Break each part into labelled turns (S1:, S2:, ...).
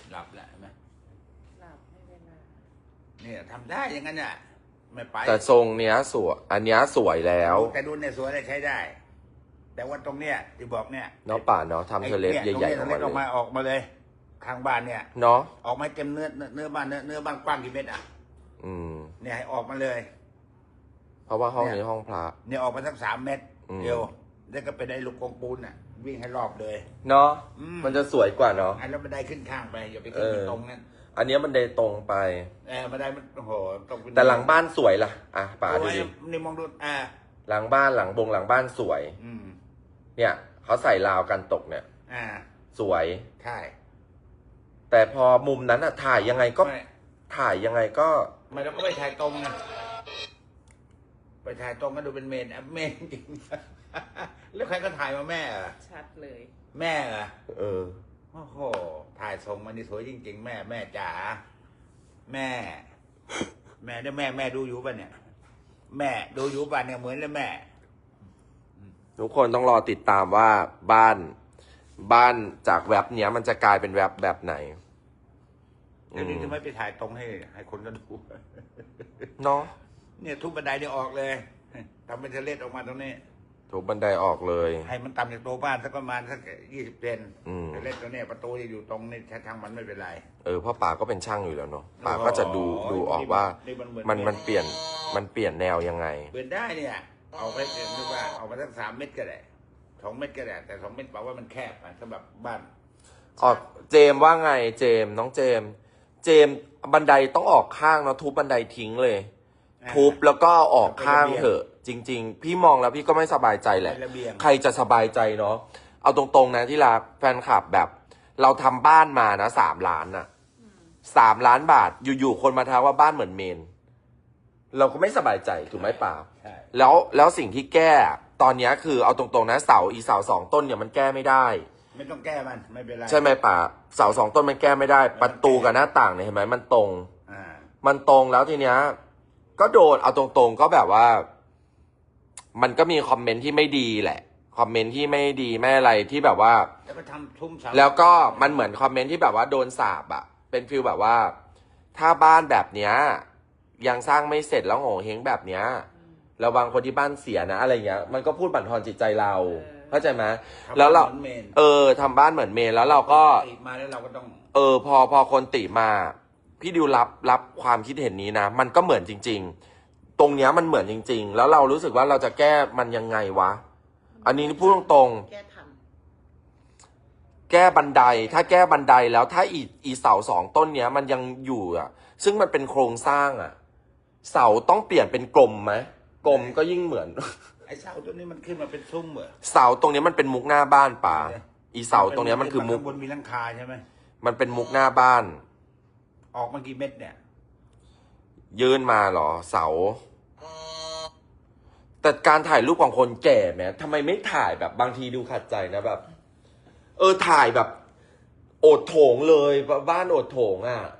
S1: หลับแหละไหม
S2: หลับไม่เวลา
S1: เนี่ยทำได้อย่างนั้นน่ะไม่ไป
S3: แต่ทรงเนี้ยสวยอันเนี้ยสวยแล้ว
S1: แต่ดูเนี่ยสวยเลยใช้ได้ แต่ว่าตรงเนี้ยที่บอกเนี่ย
S3: เนาะป่าเนาะทำเทเลสใหญ่ๆอ
S1: ตร
S3: อก
S1: ง
S3: มา
S1: นี้ออก
S3: เล
S1: มาย ออกมาเลยข้างบ้านเนี่ย
S3: เนาะ
S1: ออกมาเต็มเนื้อบ้านเนื้อบ้านกว้างกี่เมตรอ่ะ
S3: อืม
S1: เนี่ยให้ออกมาเลย
S3: เพราะว่าห้องนี้ห้องพระ
S1: เนี่ยออกมาสัก3 เมตร
S3: อืม
S1: เดียวแล้วก็ไปได้ลูกกงปูนอ่ะ วิ่งให้รอบเลย
S3: เนาะ
S1: อืม
S3: มันจะสวยกว่าเนาะ
S1: ไอ้แล้วบันไดขึ้นข้างไปอย่าไปขึ้นไปตรงนั้น
S3: อันเนี้ยมันเดนตรงไป
S1: บันไดมันโอ้โหตรงเป็น
S3: แต่หลังบ้านสวยล่ะอ่ะป่าดูดิ
S1: นี่มองดู
S3: หลังบ้านหลังบ้านสวย
S1: อืม
S3: เนี่ยเขาใส่ราวกันตกเนี่ย สวย
S1: ใช่
S3: แต่พอมุมนั้นอะถ่ายยังไงก็
S1: ไม่
S3: ถ่ายยังไงก็
S1: ไม่เราก็ไปถ่ายตรงนะไปถ่ายตรงก็ดูเป็นเมนเมนจริง แล้วใครก็ถ่ายมาแม่เหรอ
S2: ชัดเลย
S1: แม่เหรอ
S3: เออ
S1: โอ้โหถ่ายส่งมานี่สวยจริง ๆ แม่จ๋าแม่เนี่ยแม่ดูอยู่ป่ะเนี่ย แม่ดูอยู่ป่ะเนี่ยเหมือนเลยแม่
S3: ทุกคนต้องรอติดตามว่าบ้านจากแว็บเนี้ยมันจะกลายเป็นแว็บแบบไหน
S1: เดี๋ยวนี้จะไม่ไปถ่ายตรงให้คนก็ดู
S3: เนาะ
S1: เนี่ยทุบบันไดเนี่ยออกเลยทำเป็นเทเลสออกมาตรงนี้
S3: ถูกบันไดออกเลย
S1: ให้มันต่ำจากตัวบ้านสักประมาณสัก20 เซน
S3: อืม
S1: เทเลสตัวเนี้ยประตูจะอยู่ตรงนี้ทางมันไม่เป็นไร
S3: เพราะป่าก็เป็นช่างอยู่แล้วเนาะป่าก็จะดูออกว่า
S1: นี่มันเหมือน
S3: มันเปลี่ยนแนวยังไง
S1: เปลี่ยนได้เนี่ยเอาไปนึกว่าเอามาสัก3 เมตรก็ได้2 เมตรก็ได้แต่2 เมตรแปลว่ามันแคบอะสำหรับบ้าน
S3: ออกเจมส์ว่าไงเจมส์น้องเจมส์บันไดต้องออกข้างเนาะทุบบันไดทิ้งเลย ทุบแล้วก็ออกข้างเถอะ จริง ๆ พี่มองแล้วพี่ก็ไม่สบายใจแหละ
S1: เป็นระเบียง
S3: ใครจะสบายใจเนาะเอาตรงๆนะที่รักแฟนคลับแบบ เราทำบ้านมานะ3 ล้านน่ะ3 ล้านบาทอยู่ๆคนมาทักว่าบ้านเหมือนเมน เราก็ไม่สบายใจถูกไหมป่า
S1: ใช่
S3: แล้วสิ่งที่แก้ตอนเนี้ยคือเอาตรงๆนะเสา2 ต้นเนี่ยมันแก้ไม่ได้
S1: ไม่ต้องแก้มันไม่เป็นไร
S3: ใช่ไหมป่าเสา2 ต้นมันแก้ไม่ได้ ประตูกับหน้าต่างเนี่ยเห็นไหมมันตรง
S1: อ่า
S3: มันตรงแล้วทีเนี้ยก็โดนเอาตรงๆก็แบบว่า มันก็มีคอมเมนต์ที่ไม่ดีแหละคอมเมนต์ที่ไม่ดีไม่อะไรที่แบบว่า
S1: แล้วก็ทำทุ่มเสา
S3: แล้วก็มันเหมือนคอมเมนต์ที่แบบว่าโดนสาปอะเป็นฟีลแบบว่า ถ้าบ้านแบบเนี้ยยังสร้างไม่เสร็จแล้วโง่เฮงแบบเนี้ยระวังคนที่บ้านเสียนะอะไรเงี้ยมันก็พูดบั่นทอนจิตใจเราเข้าใจไหมแล้วเรา
S1: ทำบ้นหมือนเมน
S3: ทำบ้านเหมือนเมนแล้วเราก็
S1: ติดมาแล้วเราก็ต้อง
S3: พอคนติมา พี่ดิวรับความคิดเห็นนี้นะมันก็เหมือนจริง ๆ ตรงเนี้ยมันเหมือนจริง ๆ แล้วเรารู้สึกว่าเราจะแก้มันยังไงวะ อันนี้พูดตรงๆ
S2: แก้ทัน
S3: แก้บันไดถ้าแก้บันไดแล้วถ้าอีเสา2 ต้นเนี้ยมันยังอยู่อ่ะ ซึ่งมันเป็นโครงสร้างอ่ะ เสาต้องเปลี่ยนเป็นกลมไหมกลมก็ยิ่งเหมือน
S1: ไอ้เสาตัวนี้มันขึ้นมาเป็นซุ้มเหรอ
S3: เสาตรงเนี้ยมันเป็นมุกหน้าบ้านป่าอีเสาตรงเนี้ยมันคือมุก
S1: ข้างบนมีหลังคาใช่ไหม
S3: มันเป็นมุกหน้าบ้าน
S1: ออกมากี่เม็ดเนี่ย
S3: ยื่นมาเหรอเสา แต่การถ่ายรูปของคนแก่แม้ทำไมไม่ถ่ายแบบบางทีดูขัดใจนะแบบ ถ่ายแบบ โอดโถงเลยบ้านโอดโถงอ่ะ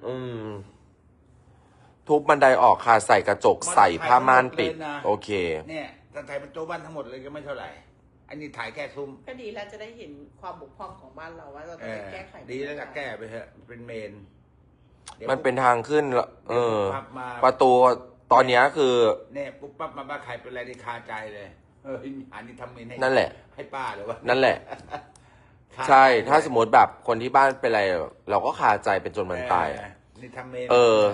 S3: ทุบบันไดออกค่ะใส่กระจกใส่ผ้าม่านปิด โอเค
S1: เนี่ยถ้าถ่ายเป็นตัวบ้านทั้งหมดเลยก็ไม่เท่าไหร่ อันนี้ถ่ายแค่ซุ้ม
S2: ก็ดีแล้วจะได้เห็นความบกพร่องของบ้านเราว่าเราจะไปแก้ไข
S1: ดีแล้วก็แก้ไปเถอะเป็นเมนดี๋ยว
S3: มันเป็นทางขึ้นแล้ว
S1: เดี๋ยวปุ๊บปั๊บมา
S3: ประตูตอนเนี้ยคือ
S1: เนี่ยปุ๊บปั๊บมาบ้าใครเป็นอะไรที่คาใจเลยอันนี้ทำเมนให้
S3: นั่นแหละ
S1: ให้ป้าหรือว่า
S3: นั่นแหละ
S1: คา
S3: ใช่ถ้าสมมติแบบคนที่บ้านเป็นอะไร เราก็คาใจเป็นจนมันตาย
S1: นี่ทำเมน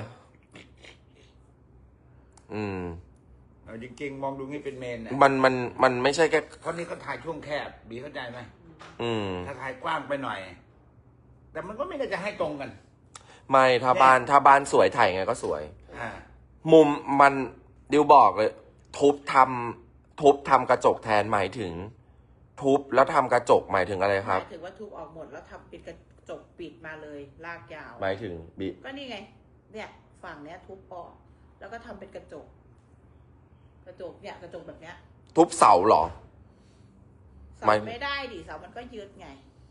S1: เอาจริงๆมองดูนี่เป็นเมนนะ
S3: มันไม่ใช่แค่
S1: เพราะนี่เขาถ่ายช่วงแคบบีเข้าใจไหม ถ้าถ่ายกว้างไปหน่อย แต่มันก็ไม่ได้จะให้ตรงกัน
S3: ไม่ถ้าบ้านสวยถ่ายไงก็สวย
S1: อ่า
S3: มุมมันดิวบอกเลย ทุบทำกระจกแทนหมายถึง ทุบแล้วทำกระจกหมายถึงอะไร
S2: ห
S3: ครับ
S2: มายถึงว่าทุบออกหมดแล้วทำปิดกระจกปิดมาเลยลากยาว
S3: หมายถึงบิ
S2: ก็นี่ไง เนี่ยฝั่งเนี้ยทุบออก แล้วก็ทำเป็นกระจก กระจกเนี่ยกระจกแบบเนี้ย
S3: ทุบเสาเหรอ
S2: เสา
S3: ไม่
S2: ไม่ได้ดิเสามันก็ยืดไง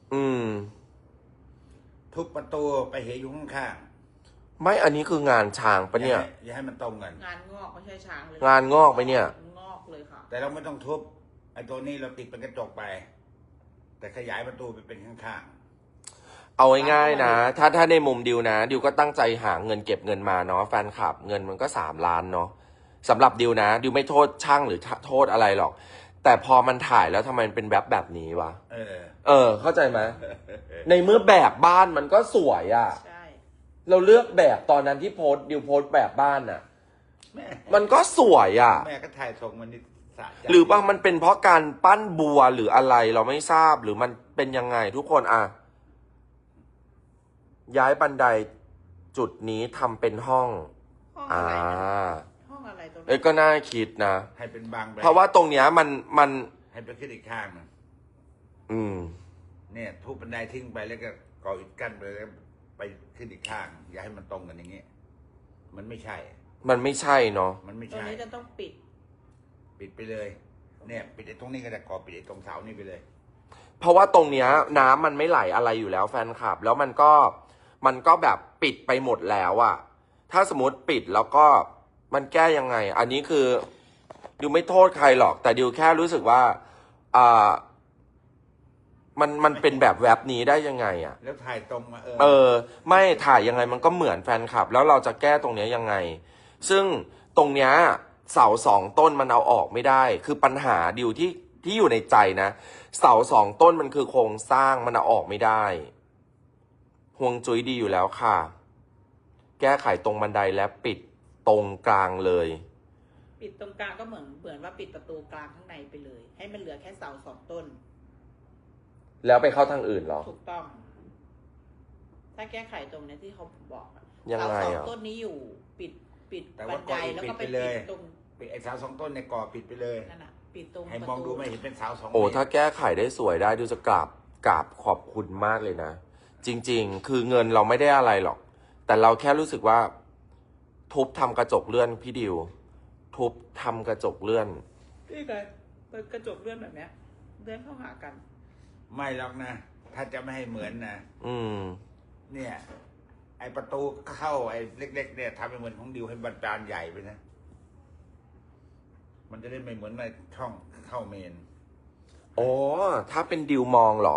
S1: ทุบประตูไปเหอยู่ข้าง
S3: ไม่อันนี้คืองานช้าง
S1: ๆ
S3: ปะเนี่ย
S1: อย่าให้มันตรงกัน
S2: งานงอกไม่ใช่ช้างเลย
S3: งานงอกไปเนี่ย
S2: งอกเลยค่ะ
S1: แต่เราไม่ต้องทุบไอ้ตัวนี้เราติดเป็นกระจกไป แต่ขยายประตูไปเป็นข้าง
S3: เอาง่ายๆนะ ถ้าในมุมดิวนะดิวก็ตั้งใจหาเงินเก็บเงินมาเนาะแฟนคลับเงินมันก็3 ล้านเนาะสำหรับดิวนะดิวไม่โทษช่างหรือโทษอะไรหรอก แต่พอมันถ่ายแล้วทำไมมันเป็นแบบนี้วะ เข้าใจไหมในเมื่อแบบบ้านมันก็สวยอะ่ะ
S2: ใช่
S3: เราเลือกแบบตอนนั้นที่ดิวโพสต์แบบบ้านอ่ะ
S1: แม่
S3: มันก็สวยอ่ะ
S1: แม่ก็ถ่ายทรงมันนี่สะใจ
S3: หรือว่ามันเป็นเพราะการปั้นบัวหรืออะไรเราไม่ทราบหรือมันเป็นยังไงทุกคนอ่ะ ย้ายบันไดจุดนี้ทำเป็นห้อง
S2: ห้อง
S3: อ่า
S2: อะไรนะห้องอะไรตรงนั้
S3: เอ้ย
S2: น
S3: ก็น่าคิดนะ
S1: ให้เป็นบางแบบ
S3: เพราะว่าตรงเนี้ยมัน
S1: ให้ไปขึ้นอีกข้างหนึง
S3: อืม
S1: เนี่ยทุบบันไดทิ้งไปแล้วก็ก่ออิฐกั้นไปแล้วไปขึ้นอีกข้าง อย่าให้มันตรงกันอย่างเงี้ยมันไม่ใช่
S3: มันไม่ใช่เนาะ
S1: มันไม่
S2: ตรง
S1: ใช่
S2: นี้จะต้องปิด
S1: ปิดไปเลย เนี่ยปิดไอ้ตรงนี้ก็ได้ก่อปิดไอ้ตรงเสานี่ไปเลย
S3: เพราะว่าตรงเนี้ยน้ำมันไม่ไหลอะไรอยู่แล้วแฟนคลับ แล้วมันก็แบบปิดไปหมดแล้วอะถ้าสมมติปิดแล้วก็มันแก้ยังไง อันนี้คือดิวไม่โทษใครหรอก แต่ดิวแค่รู้สึกว่ามันเป็นแบบแวบนี้ได้ยังไงอะ
S1: แล้วถ่ายตรงมา
S3: ไม่ถ่ายยังไงมันก็เหมือนแฟนคลับ แล้วเราจะแก้ตรงเนี้ยยังไง ซึ่งตรงเนี้ยเสา2 ต้นมันเอาออกไม่ได้ คือปัญหาดิวที่อยู่ในใจนะ เสา2 ต้นมันคือโครงสร้างมันเอาออกไม่ได้ห่วงจุ้ยดีอยู่แล้วค่ะ แก้ไขตรงบันไดและปิดตรงกลางเลย
S2: ปิดตรงกลางก็เหมือนว่าปิดประตูกลางข้างในไปเลย ให้มันเหลือแค่เสา2 ต้น
S3: แล้วไปเข้าทางอื่นเหรอ
S2: ถูกต้อง ถ้าแก้ไขตรงนี้ที่เขาบอกอะ
S3: ยังไง
S2: เสา
S3: อะ
S2: 2 ต้นนี้อยู่ปิด
S1: แต่
S2: บั
S1: ว่าน ก่
S2: ได
S1: ออิฐ
S2: แล้ว
S1: ปิด
S2: ก็ไป
S1: ไปเลย
S2: ปิดตรง
S1: ปิดไอ้เสา2 ต้นในก่อปิดไปเลย
S2: นั่นน่ะปิดตรง
S1: ให้
S2: ประ
S1: มอง
S2: ตู
S1: ดูไม่เห็นเป็นเสา2
S3: โอ้
S1: เมตร
S3: ถ้าแก้ไขได้สวยได้ดูจะกราบขอบคุณมากเลยนะ จริงๆ คือเงินเราไม่ได้อะไรหรอก แต่เราแค่รู้สึกว่า ทุบทำกระจกเลื่อนพี่ดิว ทุบทำกระจกเลื่อน
S2: นี่ไงเปิดกระจกเลื่อนแบบเนี้ยเลื่อนเข้าหากัน
S1: ไม่หรอกนะ ถ้าจะไม่ให้เหมือนนะ
S3: อืม
S1: เนี่ย ไอประตูเข้าไอเล็กๆเนี่ยทำให้เหมือนของดิวให้บานใหญ่ไปนะ มันจะได้ไม่เหมือนในช่องเข้าเมน
S3: อ๋อ ถ้าเป็นดิวมองเหรอ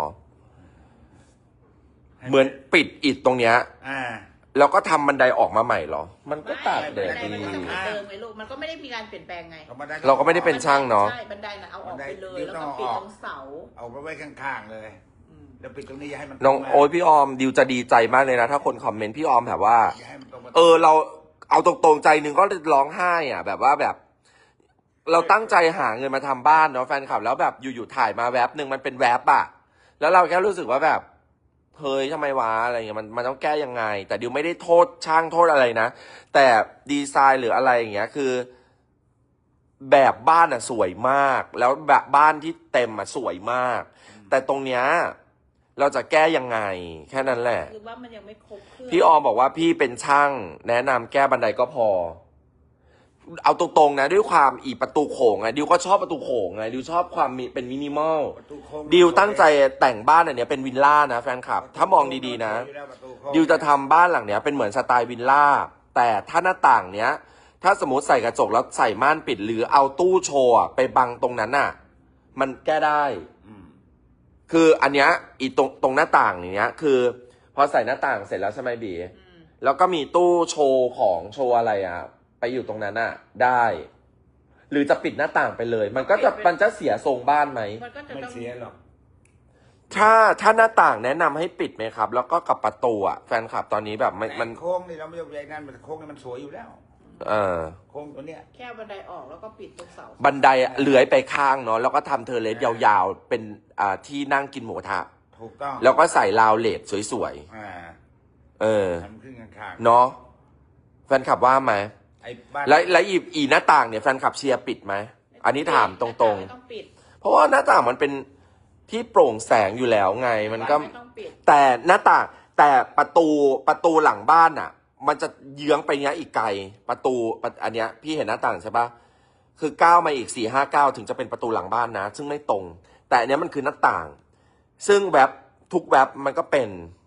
S3: เหมือนปิดอิฐตรงเนี้ย
S1: อ่า
S3: แล้วก็ทำบันไดออกมาใหม่เหรอ มันก็ตากแดด
S2: บันได
S3: ดี
S2: มันก็จะเหมือนเดิมไงลูก มันก็ไม่ได้มีการเปลี่ยนแปลงไง
S3: เราก็ไม่ได้เป็น ช่างเนอะ
S2: ใช่ บันไดน่ะเอาออกไปเลย
S1: บันได
S2: แล้วก็ปิดตรงเสา
S1: เอาไปไว้ข้างๆเลย
S2: อืม
S1: แล้วปิดตรงนี้อย่าให้มัน
S3: น้อง
S1: ตรงมา
S3: โอ้ยพี่ออมดิวจะดีใจมากเลยนะ ถ้าคนคอมเมนต์พี่ออมแบบว่า
S1: อย่าให้มันตรงมา
S3: เราเอาตรงๆใจหนึ่งก็ร้องไห้อ่ะ แบบว่าแบบ เราตั้งใจหาเงินมาทำบ้านเนาะแฟนคลับแล้วแบบอยู่ๆถ่ายมาแวบหนึ่งมันเป็นแวบอ่ะ แล้วเราแค่รู้สึกว่าแบบเฮ้ยทำไมวะอะไรเงี้ยมันต้องแก้ยังไง แต่ดิวไม่ได้โทษช่างโทษอะไรนะแต่ดีไซน์หรืออะไรอย่างเงี้ยคือ แบบบ้านอ่ะสวยมาก แล้วแบบบ้านที่เต็มอ่ะสวยมาก แต่ตรงเนี้ยเราจะแก้ยังไง แค่นั้นแหละ
S2: คือว่ามันยังไม่ครบเครื่อง
S3: พี่ออมบอกว่าพี่เป็นช่างแนะนำแก้บันไดก็พอ เอาตรงๆนะด้วยความประตูโขงไงดิวก็ชอบประตูโขงไงดิวชอบความเป็นมินิมอล
S1: ประตูโค้ง
S3: ดิวตั้งใจแต่งบ้านอันเนี้ยเป็นวิลล่านะแฟนคลับ ถ้ามองดีๆนะ
S1: สวยอยู่แล้วประตูโค้ง
S3: ดิวจะทำบ้านหลังเนี้ยเป็นเหมือนสไตล์วิลล่าแต่ถ้าหน้าต่างเนี้ย ถ้าสมมติใส่กระจกแล้วใส่ม่านปิด หรือเอาตู้โชว์อะไปบังตรงนั้นน่ะ มันแก้ได้
S1: อืม
S3: คืออันเนี้ยตรงหน้าต่างเนี้ย คือ พอใส่หน้าต่างเสร็จแล้วใช่ไหมบี
S2: อืม
S3: แล้วก็มีตู้โชว์ของโชว์อะไรอ่ะ ไปอยู่ตรงนั้นอ่ะ ได้ หรือจะปิดหน้าต่างไปเลย มันจะเสียทรงบ้านไหม
S2: มันก็จะ
S1: ไม่
S2: ต้อง
S1: เสียหรอก
S3: ถ้าหน้าต่างแนะนำให้ปิดไหมครับ แล้วก็กับประตูอ่ะแฟนคลับตอนนี้แบบมัน
S1: โค้งนี่เราไม่ต้องใหญ่นั่นโค้งนี่มันสวยอยู่แล้ว
S3: เออ
S1: โค้งตัวเนี้ย
S2: แค่บันไดออกแล้วก็ปิดตรงเสา
S3: บันไดอะเลื้อยไปข้างเนาะแล้วก็ทำเทอร์เลสยาวๆ เป็นที่นั่งกินหมูกระทะ
S1: ถูกต้อง
S3: แล้วก็ใส่ราวเลดสวย
S1: อ่า
S3: ๆ เออ
S1: ทำขึ้นข้างๆ
S3: เนาะแฟนคลับว่าไหม
S1: ไอ้บ้าน
S3: แล้วอีหน้าต่างเนี่ยแฟนคลับเชียร์ปิดไหมอันนี้ถามตรง
S2: ไม่ต้องปิด
S3: ๆ เพราะว่าหน้าต่างมันเป็นที่โปร่งแสงอยู่แล้วไงมันก็
S2: ไม่ต้องปิด
S3: แต่หน้าต่างแต่ประตูหลังบ้านอ่ะ มันจะเยื้องไปเนี้ยอีกไกลอันเนี้ยพี่เห็นหน้าต่างใช่ปะคือก้าวมาอีก4-5 ก้าวถึงจะเป็นประตูหลังบ้านนะ ซึ่งไม่ตรง แต่อันเนี้ยมันคือหน้าต่าง ซึ่งทุกแวบมันก็เป็น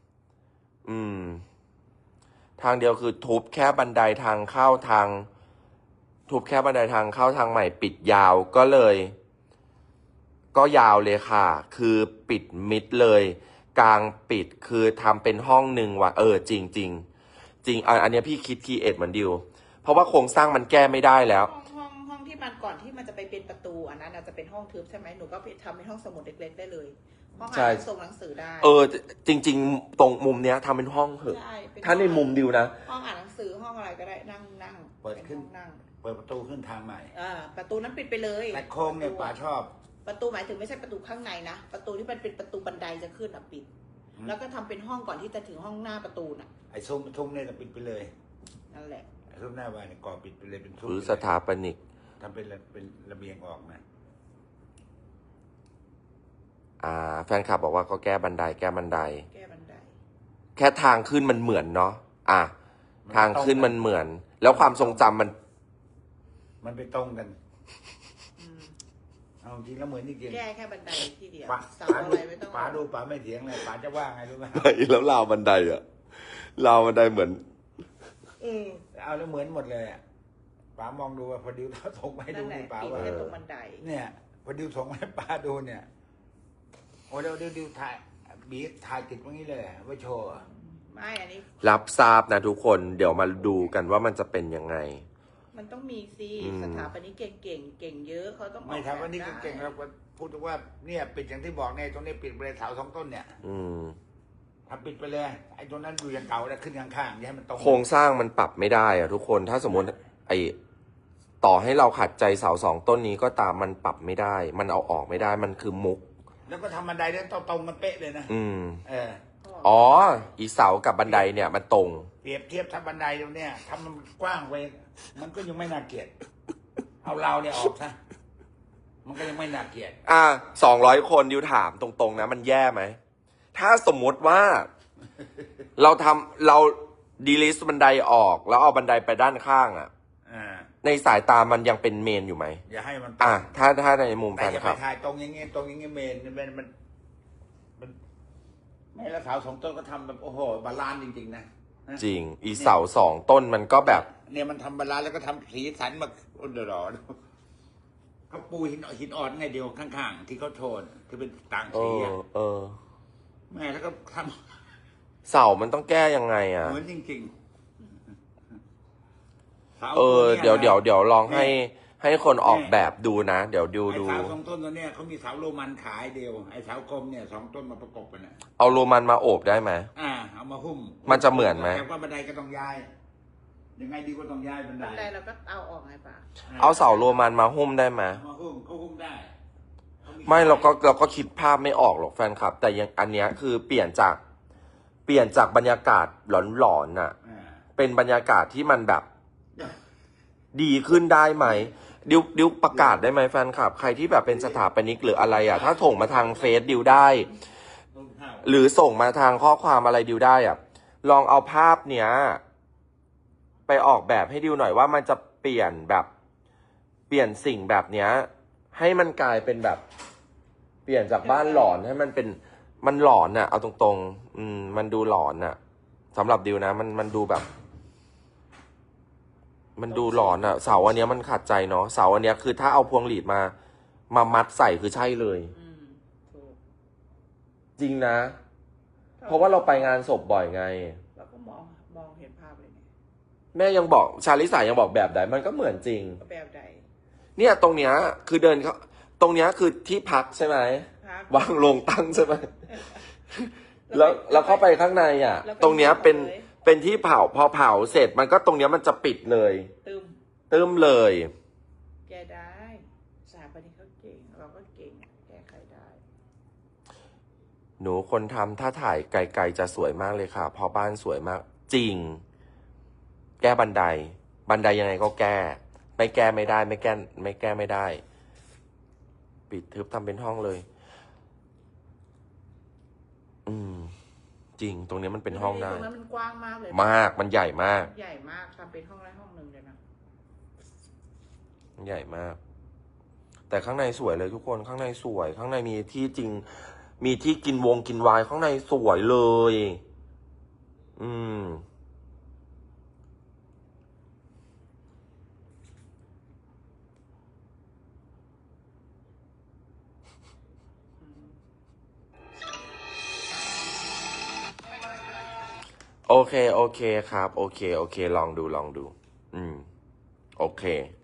S3: ทางเดียวคือทุบแค่บันไดทางเข้าทาง ทุบแค่บันไดทางเข้าทางใหม่ปิดยาวก็เลย ก็ยาวเลยค่ะ คือปิดมิดเลยกลางปิดคือทำเป็นห้องหนึ่งว่ะจริงจริงจริงอันเนี้ยพี่คิดคีเอทเหมือนดิวเพราะว่าโครงสร้างมันแก้ไม่ได้แล้ว
S2: ห้องที่มันก่อนที่มันจะไปเป็นประตูอันนั้นอาจจะเป็นห้องทึบใช่ไหมหนูก็ไปทำเป็นห้องสมุดเล็กๆได้เลยห้องอ่านส่งหนังสือได้
S3: จริงๆตรงมุมเนี้ยทำเป็นห้องเถอะถ้าในมุมดิวนะ
S2: ห้องอ่านหนังสือห้องอะไรก็ได้นั่ง
S1: เปิดขึ้นเปิดประตูขึ้นทางใหม่
S2: ประตูนั้นปิดไปเลย
S1: แต่โค้งเนี่ยป๋าชอบ
S2: ประตูหมายถึงไม่ใช่ประตูข้างในนะประตูที่มันเป็นประตูบันไดจะขึ้นปิดแล้วก็ทำเป็นห้องก่อนที่จะถึงห้องหน้าประตูน่ะ
S1: ไอ้ซุ้มเนี่ยปิดไปเลย
S2: นั่นแหละ
S1: ไอ้ซุ้มหน้าบ้านเนี่ยก่อปิดไปเลยเป็นซุ้ม
S3: หรือสถาปนิก
S1: ทำเป็นระเบียงออกนะ
S3: แฟนคลับบอกว่าก็แก้บันได
S2: แค่
S3: ทางขึ้นมันเหมือนเนาะทางขึ้นมันเหมือนแล้วความทรงจำ
S1: มันไปตรงกันเอาจริงแล้วเหมือนจริง
S2: แก้แค่บันไดที่เดียว
S1: เสาอะไรไม่ต้องป๋าดูป๋าไม่เถียงเลยป๋าจะว่าไงรู้ไหม
S3: แล้วราวบันไดเหมือน
S1: เอาแล้วเหมือนหมดเลยป๋ามองดูว่าพอดิวส่งให้ดูป๋าว่า
S2: ตรงบันได
S1: เนี่ยพอดิวส่งให้ป๋าดูเนี่ยโอ้เดี๋ยวดิวถ่ายบีถ่ายติดตรงนี้เลยไว้โชว์
S2: ไม่อันนี้
S3: รับทราบนะทุกคนเดี๋ยวมาดูกันว่ามันจะเป็นยังไง
S2: มันต้องมีสิสถาปนิกเก่งเยอะเขาต้อง
S1: ไม่ถามว่านี่เก่งเราพูดว่าเนี่ยปิดอย่างที่บอกเนี่ยตรงนี้ปิดไปเลยเสา2 ต้นเนี่ยทำปิดไปเลยไอ้ตรงนั้นอยู่อย่างเก่าแล้วขึ้นข้างๆอย่าให้มันตรง
S3: โครงสร้างมันปรับไม่ได้ทุกคนถ้าสมมติต่อให้เราขัดใจเสา2 ต้นนี้ก็ตามมันปรับไม่ได้มันเอาออกไม่ได้มันคือมุก
S1: แล้วก็ทำบันไดเนี่ยตรงมันเป๊ะเลยนะ
S3: อีเสากับบันไดเนี่ยมันตรง
S1: เปรียบเทียบทำบันไดตรงเนี้ยทำมันกว้างไปมันก็ยังไม่น่าเกลียดเอาเราเนี่ยออกซะมันก็ยังไม่น่าเกลียด
S3: 200 คนดิวถามตรงๆนะมันแย่ไหมถ้าสมมติว่าเราดีลิสบันไดออกแล้วเอาบันไดไปด้านข้างในสายตามันยังเป็นเมนอยู่ไหม
S1: อย่าให้มัน
S3: ถ้าในมุมแฟนคลับ
S1: ถ่ายตรงอย่างเงี้ยเมนมันไม่แล้วเสา2 ต้นก็ทำแบบโอ้โหบาลานซ์จริงๆนะ
S3: จริงอีเสา2 ต้นมันก็แบบ
S1: เนี่ยมันทำบาลานซ์แล้วก็ทำสีสันมาเดือดเขาปูหินอ่อนไงเดียวข้างๆที่เขาโทนที่เป็นต่างสีแม่แล้วก็ท
S3: ำเสามันต้องแก้ยังไง
S1: เหมือนจริงๆ
S3: เดี๋ยวลองให้คนออกแบบดูนะเดี๋ยวดู
S1: เสา2 ต้นตัวเนี้ยเขามีเสาโรมันขายเดียวไอ้เสากลมเนี่ย2 ต้นมาประกบกัน
S3: เอาโรมันมาโอบได้ไหม
S1: เอามาหุ้ม
S3: มันจะเหมือนไหม
S1: แต่ว่าบันไดก็ต้องย้ายยังไงดีก็ต้องย้ายบันได
S2: เราก็เอาออกไงป่ะ
S3: เอาเสาโรมันมาหุ้มได้ไหม
S1: มาหุ้มได้
S3: ไม่เราก็คิดภาพไม่ออกหรอกแฟนคลับแต่ยังอันเนี้ยคือเปลี่ยนจากบรรยากาศหลอนๆน่ะเป็นบรรยากาศที่มันแบบดีขึ้นได้ไหมดิวประกาศได้ไหมแฟนคลับใครที่แบบเป็นสถาปนิกหรืออะไรถ้าส่งมาทางเฟซดิวได้หรือส่งมาทางข้อความอะไรดิวได้ลองเอาภาพเนี้ยไปออกแบบให้ดิวหน่อยว่ามันจะเปลี่ยนสิ่งแบบเนี้ยให้มันกลายเป็นแบบเปลี่ยนจากบ้านหลอนให้มันเป็นมันหลอนน่ะเอาตรงๆมันดูหลอนน่ะสำหรับดิวนะมันดูแบบมันดูหลอนเสาอันเนี้ยมันขัดใจเนาะเสาอันเนี้ยคือถ้าเอาพวงหลีดมามัดใส่คือใช่เลยจริงนะเพราะว่าเราไปงานศพบ่อยไง
S2: เราก็มองเห็นภาพเลย
S3: แม่ยังบอกชาลิสายังบอกแบบใดมันก็เหมือนจริง
S2: แบบใด
S3: เนี่ยตรงเนี้ยคือเดินเขาตรงเนี้ยคือที่พักใช่ไหมวางลงตั้งใช่ไหมแล้วเข้าไปข้างในตรงเนี้ยเป็นที่เผาพอเผาเสร็จมันก็ตรงเนี้ยมันจะปิดเลยตึมเลย
S2: แกได้สถาปนิกเขาเก่งเราก็เก่งแก้ไขได้
S3: หนูคนทำถ้าถ่ายไกลๆจะสวยมากเลยค่ะเพราะบ้านสวยมากจริงแก้บันไดยังไงก็แก้ไม่แก้ไม่ได้ไม่แก้ไม่ได้ปิดทึบทำเป็นห้องเลยจริงตรงนี้มันเป็นห้องได้
S2: ตรงนั้นมันกว้างมากเลย
S3: มันใหญ่มาก
S2: ทำเป็นห้องได้ห้องนึงเลยนะ
S3: ใหญ่มากแต่ข้างในสวยเลยทุกคนข้างในสวยข้างในมีที่จริงมีที่กินไวน์ข้างในสวยเลยโอเค โอเคครับ โอเค โอเค ลองดู ลองดู โอเค